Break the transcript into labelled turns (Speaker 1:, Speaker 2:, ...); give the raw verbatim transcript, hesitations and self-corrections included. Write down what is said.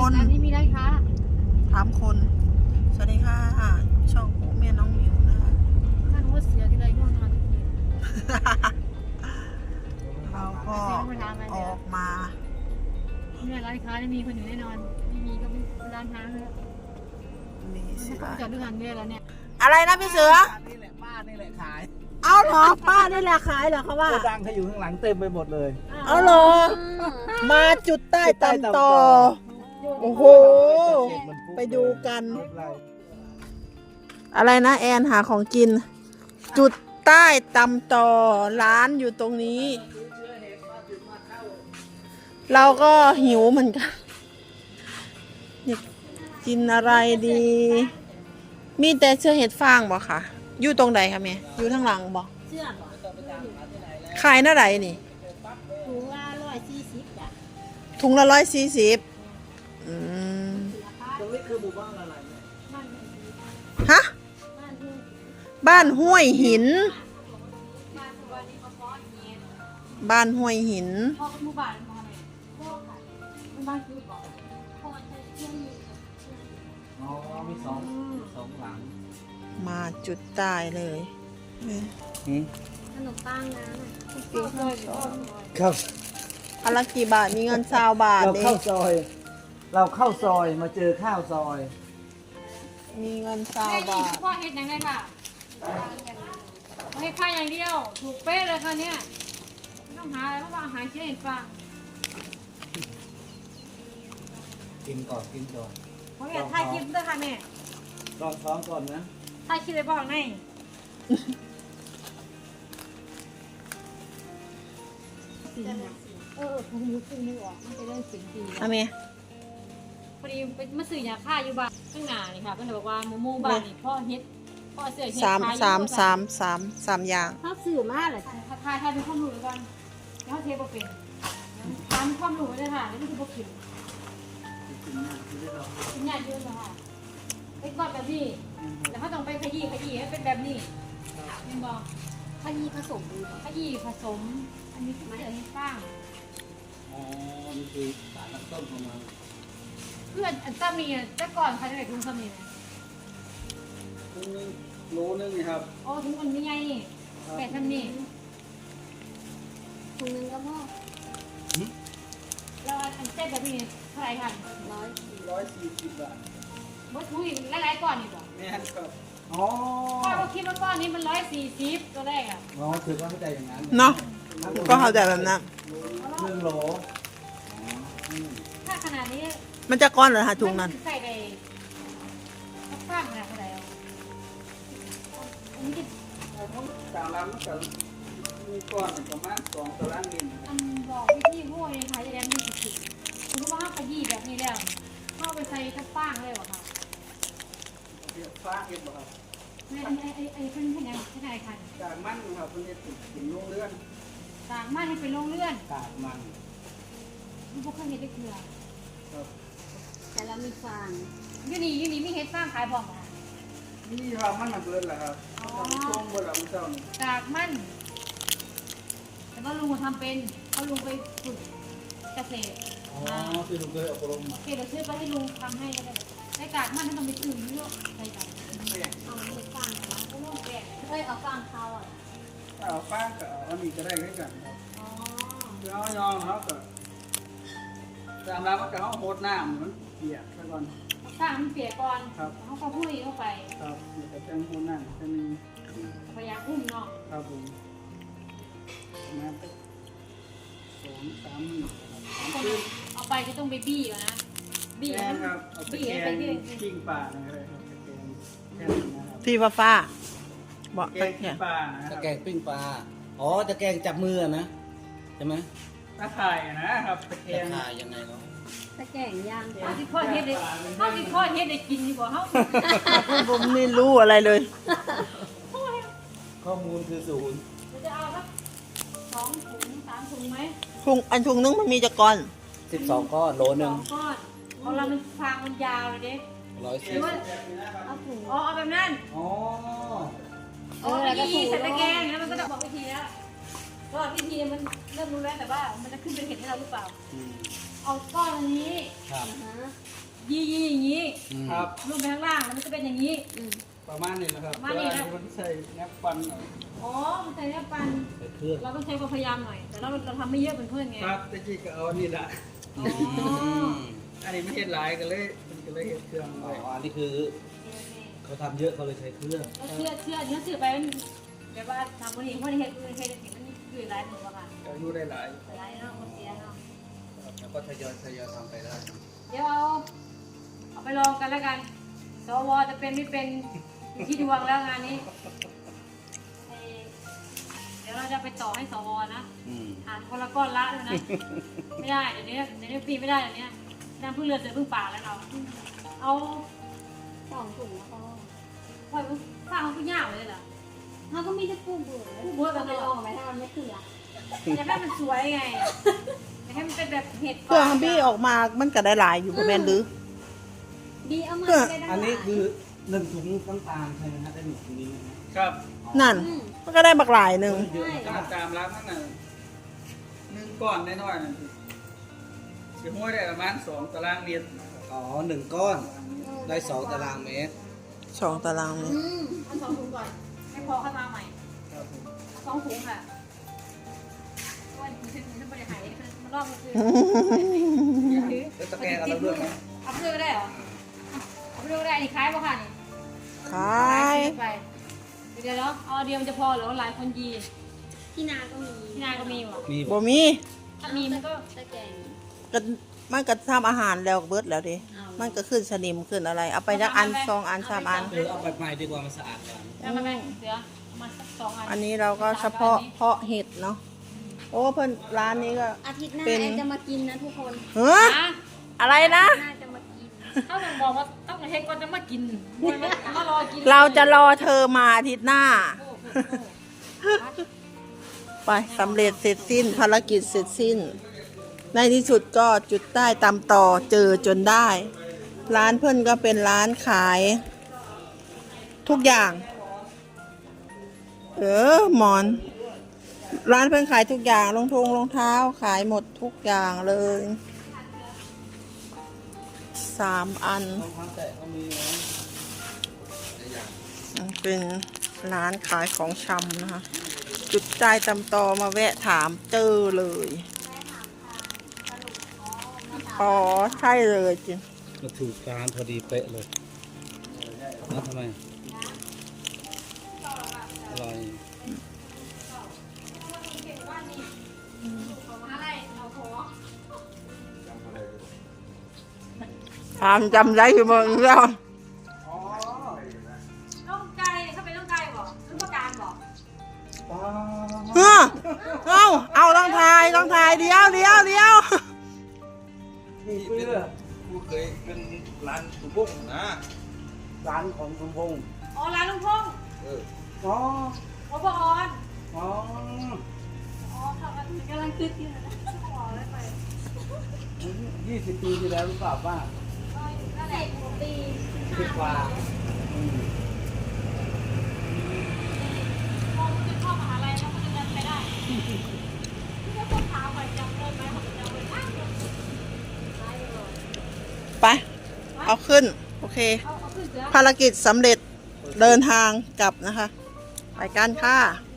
Speaker 1: คน
Speaker 2: ร้านนี้มีร้านค้า
Speaker 1: ถามคนสวัสดีค่ะช่องปุ๊เมียน้องหมิวนะคะ
Speaker 2: ท่านว่าเสียที่ไรง่วงนอนทุกที
Speaker 1: เราก็ออกมา
Speaker 2: เนี่ยร้านค้าไม่มีคนอยู่แน่นอนไม่มีก็เป็นร้านค้าเลย
Speaker 1: มีสิ
Speaker 2: เขาจอดด้วยกันด้วยแล้วเนี่ย
Speaker 1: อะไรนะพี่เสือ
Speaker 3: นี่แหละป้านี่แหละขาย
Speaker 1: เอาเหรอป้าได้แหละขายเหรอเขาว่า
Speaker 3: โกดังเขาอยู่ข้างหลังเต็มไปหมดเลย
Speaker 1: เอาเหรอมาจุดใต้ตำต่อโอ้โหไปดูกัน อะไรนะแอนหาของกิน จุดใต้ตำต่อร้านอยู่ตรงนี้ เราก็หิวเหมือนกันอยากกินอะไรดี มีแต่เชื่อเห็ดฟางบ่ค่ะ อยู่ตรงไหนคะแม่อยู่ทางหลังบ่
Speaker 2: เสื้อบ่
Speaker 1: ขายหน้าไหนนี่
Speaker 2: ถุงละร้อยสี่สิบจ้ะ
Speaker 1: ถุงละร้อยสี่สิบอืม
Speaker 3: ตรงนี้คือหมู่บ้านอะไรเนี่ย
Speaker 1: ฮะ บ้านห้วยหิน บ้านห้วยหิน
Speaker 2: พ่อเป็นหมู่บ้านมาไหนพ่อค่ะเป็นบ้านคือบ่พ่อใช้เครื่องมือ
Speaker 3: อ๋อมีสองสองหลัง
Speaker 1: มาจุดใต้เลย
Speaker 2: ขนมปังนะ
Speaker 3: เข้า
Speaker 1: อันละกี่บาท มีเงินซาวบาท
Speaker 3: เรา
Speaker 1: เด้
Speaker 3: เข้าซอย เราเข้าซอยมาเจอข้าวซอย
Speaker 1: มีเงินซาว
Speaker 2: แม่
Speaker 1: บา
Speaker 2: นี่
Speaker 1: ท
Speaker 2: พ่อเฮ็ดยังไงค่ะให้ค่าอย่างเดียว ถูกเป๊ะเลยค่ะเนี่ยไม่ต้องหาอะไรเพราะว่าอาหารเชื่อเห็นฟัง
Speaker 3: กินก่อนกินก่อน
Speaker 2: เพราะเนี่ยถ่ายคลิปด้วยค่ะแม่
Speaker 3: ลองท้องก่อนนะ
Speaker 2: ถ่ายคลิปเลยบอกไงเออผมรู้สึกนึกออกมันจะได้เสียงดี
Speaker 1: อะเม
Speaker 2: พอดีไปมาซื้อยาฆ่าอยู่บ้านข้างหน้านี่ค่ะก็เลยบอกว่าหมูหมูบ้านนี่พ่อเฮ็ดพ่อเสื้อเฮ็ด
Speaker 1: สาม
Speaker 2: ขายอยู่
Speaker 1: สามสามสามสามอย่าง
Speaker 2: ถ้าสื่อมาเหรอถ้าทายทายเป็นความรู้กันแล้วเทปเป็นทำความรู้เลยค่ะแล้วนี่คือพวกขิมขิมใหญ่เยอะเลยค่ะเป็นก้อนแบบนี้แล้วเขาต้องไปขยี้ขยี้ให้เป็นแบบนี้เห็นบอกขยี้ผสมขยี้ผสม อันนี้คือเสือให้ข้าง
Speaker 3: อ๋อนี่คือสารน้ำต้มของมัน
Speaker 2: เพื่อนอันตามีแต่ก่อนใครจะไปกรุงสมีนะ
Speaker 3: ถุงนึงโลนึงนี่ครับ
Speaker 2: อ๋อถุงอันนี้ไงนี่แปดทำนี่
Speaker 4: ถุงนึงก็พอ
Speaker 2: แล้วอันเส้นแบบนี้เท่าไหร่พัน
Speaker 4: ร้อย
Speaker 3: ร้อยสี่สิบบาท
Speaker 2: วัตถุดิบหลายๆก้อนนี่บอก
Speaker 3: แม่นครับอ๋อ
Speaker 2: พ่อก็คิดว่าก้อนนี้มันร้อยสี่สิบตัวแรกอ่ะ
Speaker 3: อ๋อถือว่าไม่ได้อย่างนั้น
Speaker 1: เนาะก็เข้าใจแบบนั้น
Speaker 3: หนึ่งโหล
Speaker 2: ถ้าขนาดนี้
Speaker 1: มันจะก้อนเหรอฮะถุงนั้น
Speaker 2: ใส่ไปข้างขนาดเท่าไหร่อันนี้จะ
Speaker 3: ตามร้านมันก็มีก้อนประมาณสองตารางเมตร
Speaker 2: อันบอกวิธีพวกนี้ค่ะจะได้มีสิทธิ์คุณว่าขยี้แบบนี้แล้วเข้าไปใส่กระป้างเลยวะค่ะ
Speaker 3: เดี๋ยวฟ้าเห็นบ่ครับ
Speaker 2: ไอ้ไอ้ไอ้ไอ้เป็นยังไงเป็นยังไงคัน
Speaker 3: กากมันครับมันจะติดถึงโรงเรือน
Speaker 2: ต่างมาให้เป็นโรงเลื่อน
Speaker 3: กากมัน
Speaker 2: มันพวกข้างเห็ดได้เกลือ
Speaker 3: ครับ
Speaker 4: แต่เรามีฟาง
Speaker 2: ยูนี่ยูนี่ไม่เห็ดสร้างขายบอกอ่ะ
Speaker 3: นี่ครับมันมันเบิดแหละครับมันช่วงเบิดแล้วมันเจ้านี่
Speaker 2: กากมันแต่ว่าลุงทำเป็นเขาลุงไปฝึกเกษตร
Speaker 3: อ๋อคือลุงเคยอบรมมา
Speaker 2: โอเคเดี๋ยวซื้อไปให้ลุงทำให้ก็ได้ไอ้กากมันต้องไปตื่นเยอะใส่ใจ
Speaker 4: เอาเห็ดฟางนะ
Speaker 2: ก็ต้องแกะ
Speaker 4: เอ้ยเอาฟางเขาอ่ะ
Speaker 3: ถ้าเอาฟ้ากับเอาอันนี้ก็ได้ด้วยกันครับ
Speaker 2: อ๋อ
Speaker 3: คือเอายองเขาก็ตามร้านมันก็เอาโหดน้ำมันเปียกซะก่อน
Speaker 2: สร้างมันเปียกก่อน
Speaker 3: ครับ
Speaker 2: เขาก็พุ่ยเข้าไป
Speaker 3: ครับเดี๋ยวจะจังโหดน้ำจะมี
Speaker 2: พยายามอุ้มเนาะ
Speaker 3: ครับผมมาสักสองสามหมื่นครับสาม
Speaker 2: คน
Speaker 3: คืน
Speaker 2: เอาไปก็ต้องไปบี้ก่อนนะบี้
Speaker 3: แก
Speaker 2: ให้
Speaker 3: ง
Speaker 2: มัน
Speaker 3: ครับเอาไป
Speaker 2: บี้
Speaker 3: แก
Speaker 2: ให้ไป
Speaker 3: ง
Speaker 2: ที่
Speaker 3: ปิ้งปลานะครับแกงแค่นี้นะครับ
Speaker 1: ที่ฟ้าฟ้าบอก
Speaker 3: แก
Speaker 1: ไป
Speaker 3: งปิ้
Speaker 1: เนี่
Speaker 3: ง
Speaker 1: ย
Speaker 3: ปลานะค
Speaker 5: ตะ
Speaker 3: รับ
Speaker 5: แกรงปิ้งปลา อ๋อตะแกรงจับมือนะ ใช่ไหม
Speaker 3: ตะไคร่นะครับตะแก
Speaker 5: ตะ
Speaker 3: ง
Speaker 5: คายยังไงเนาะ
Speaker 4: ตะแกรงย่าง
Speaker 2: เขาที่พ่อเฮ็ดได้เขาที่พ่อเฮ็ดได้กินดีกว่าเขา
Speaker 1: ผมไม่รู้อะไรเลย
Speaker 5: ข้อมูลคือศูนย์
Speaker 2: เราจะเอาสักสองถุงสามถุงไหม
Speaker 1: ถุงอันถุงนึงมันมีจะก้อน
Speaker 5: สิบสองก้อนโลห
Speaker 2: ส
Speaker 5: นึ่
Speaker 2: อง งก้อนของเรามันฟางมันยาวเลยเด้
Speaker 5: ร้อย
Speaker 2: ห
Speaker 5: สี่
Speaker 2: รือว่า
Speaker 4: เอาถุง
Speaker 2: อ๋อเอาแบบนั้น
Speaker 3: อ๋อ
Speaker 2: อ๋อไปยี่ใส่ตะแกรงแล้วมันก็จะบอกวิธีแล้วก็วิธีมันเริ่มรู้แล้วแต่ว่ามันจะขึ้นเป็นเห็ดให้เราหรือเปล่า
Speaker 5: อืม
Speaker 2: เอาก้อนอันนี้
Speaker 5: ครับ
Speaker 4: อ่าฮะ
Speaker 2: ยี่ยี่อย่างนี้
Speaker 5: อืม
Speaker 3: ครับ
Speaker 2: ลงไปข้างล่างแล้วมันจะเป็นอย่างนี้
Speaker 4: อืม
Speaker 3: ประมาณนี้นะครับ
Speaker 2: ประมาณนี้นะ
Speaker 3: แต่ว่มันใส่แนบฟันหน่อย
Speaker 2: อ๋อมันใส่เนื้อปัน
Speaker 5: ใส่เครื่อง
Speaker 2: เราต้องใช้ความพยายามหน่อย แต่เราเราทำไม่เยอะเป็นเพื่อนไง
Speaker 3: ครับตะกี้ก็เอาอันนี่ละ
Speaker 2: อ๋อ
Speaker 3: อันนี้ไม่เห็ดหลายก็เลยมันก็เลยเห็ดเครื่อง
Speaker 5: อ๋
Speaker 3: ไว้
Speaker 5: ออันนี้คือเขาทำเยอะเขาเลยใช้เครื่อง
Speaker 2: แล้วเชื่อเชื่อเนื้อสื่อไปมันแบบว่าทำคนนี้คนนี้เห็ดคนนี้เห็ดเห็ดมันอยู่หลายหนึ่งอะค่ะ
Speaker 3: ก็อยู่ได้หลาย
Speaker 2: หลายเนาะคนเสียเนาะ
Speaker 5: แล้วก็ทยอยทยอยทำไปได้
Speaker 2: เดี๋ยวเอาเอาไปลองกันแล้วกัน สวจะเป็นไม่เป็นอยู่ที่ดวงแล้วงานนี้เอ่อเดี๋ยวเราจะไปต่อให้สวนะ
Speaker 5: อืม
Speaker 2: อ่านคนละก้อนละเลยนะ ไม่ได้เดี๋ยวนี้เดี๋ยวนี้ปีไม่ได้เดี๋ยวนี้น้ำพึ่งเรือเสือพึ่งป่าแล้วเรา เอา
Speaker 4: สองถุงแล้วก็
Speaker 2: ปล่อยมันฟ้าเขาพึ่งยาวเลยเหรอ
Speaker 4: เขาก็มีแต่กู้เบื่อ
Speaker 2: กู้เบื่อกั
Speaker 4: ก็
Speaker 2: น
Speaker 4: ไป
Speaker 2: เลย
Speaker 4: ลองไหมถ้ามันไม่เถื่อ
Speaker 2: อยากให้มันสวยไงอยากให้มันเป็นแบบเห็ด
Speaker 1: เครื่องบี้ออกมามันก็ได้หลายอยู่บ่แม่นหรือ
Speaker 4: ดีเอามา
Speaker 1: ก็
Speaker 4: ไปได้
Speaker 5: อันนี้คือหนึ่งถุงน้ำตาลใช่ไหมฮะได้หนึ่งถุงนี้นะฮะ
Speaker 3: ครับ
Speaker 1: นั่น มันก็ได้บักหลายหนึ่ง
Speaker 5: เยอะ
Speaker 3: ตามตามร้านนั่นน่ะหนึ่งก้อนน้อยๆนั่นสิห้วยได้ประมาณสองตารางเมตร
Speaker 5: อ๋อหนึ่งก้อนได้สองตารางเมตร
Speaker 1: สองตารางเมตร
Speaker 4: อืม
Speaker 2: เอาสองถุงก่อนให้พอเข้ามาใหม่
Speaker 3: ครับผม
Speaker 2: สองถุงค่ะว่าถุงเส้นถุงเส้นบริหารมันรอบมันคือ
Speaker 5: แล้วตะแกรงเอาแล้วด้วยไหม
Speaker 2: เอาไปด้วยก็ได้เหรอเอาไปด้วยก็ได้นี่คล้ายป่ะค่ะนี่
Speaker 1: ขาย
Speaker 2: ไปเดี๋ยวเนาะเอาเดียวมันจะพอหรือว่าหลายคนยีน
Speaker 4: ที่นาก็มี
Speaker 2: ที่นาก็มีว่ะ
Speaker 5: มี
Speaker 1: บ่มี
Speaker 2: ถ้ามีมันก็
Speaker 4: ตะแกรง
Speaker 1: ก็มันก็ทำอาหารแล้วเบิดแล้วดิ
Speaker 4: เอา
Speaker 1: มันก็ขึ้นสนิมขึ้นอะไร เอาไปจักอันสองอันสามอัน
Speaker 5: เออเอาแบบใหม่ดีกว่ามันสะอาดกว่า
Speaker 2: แล้วมาแบ่งเสือมาสักสองอัน
Speaker 1: อันนี้เราก็เฉพาะเพาะเห็ดเนาะ โอ้เพิ่นร้านนี้ก็
Speaker 4: อาทิตย์หน้า
Speaker 1: เป็น
Speaker 4: แอนจะมากินนะทุกคน
Speaker 1: เฮ้อ
Speaker 2: นะ
Speaker 1: อะไรนะ
Speaker 4: น่าจะมากิน
Speaker 2: ถ้าผมบอกว่าต้องเฮ็ดก่อนจะมากินมันไม่มารอกิน
Speaker 1: เราจะรอเธอมาอาทิตย์หน้า
Speaker 2: โอ้โหโอ้โห
Speaker 1: ไปสำเร็จเสร็จสิ้นภารกิจเสร็จสิ้น ในที่สุดก็จุดได้ตามต่อเจอจนได้ ร้านเพื่อนก็เป็นร้านขาย ทุกอย่าง เออหมอน ร้านเพื่อนขายทุกอย่างรองทงรองเท้าขายหมดทุกอย่างเลยสามอัน
Speaker 5: รองเท้าแตะก็มีนะหลายอย่าง
Speaker 1: เป็นร้านขายของชำนะคะ จุดใจตำตอมาแวะถามเจอเลย อ๋อ ใช่เลยจริง
Speaker 5: มาถูกร้านพอดีเป๊ะเลยนะทำไมอร่อย
Speaker 1: ถามจำได้อยู่เมืองแล้ว
Speaker 3: อ๋อ
Speaker 2: น้องไก่เขาเป็นน้องไก่บอกน้องประการบอก
Speaker 3: อ๋อ
Speaker 1: เฮ้อเอาเอาต้องทายต้องทายเดียวเดียวเดียว
Speaker 3: นี่เพื่อ
Speaker 6: ผู้เคยเป็นร้านตุ้บุ้งนะ
Speaker 3: ร้านของคุณพงษ์
Speaker 2: อ๋อร้านลุงพงษ์
Speaker 6: เออ
Speaker 3: อ๋อ
Speaker 2: โอ้บออน
Speaker 3: อ๋อ
Speaker 2: อ๋อค่ะกำลังคิดอยู่นะขอได้ไหม
Speaker 3: ยี่สิบปีที่แล้วหรือเปล่าป้า
Speaker 2: นั่นแหละปี
Speaker 3: สิบกว่า
Speaker 2: พอมันจะเข้ามหาลัยแล้วมันจะเดินไปได้ที่เขาถามไปจำได้ไหมเขาจะจำได้ไหม
Speaker 1: ไป เอาขึ้น โอเค
Speaker 2: เอาเอาขึ้นเสือ
Speaker 1: ภารกิจสำเร็จเดินทางกลับนะคะ ไปกันค่ะ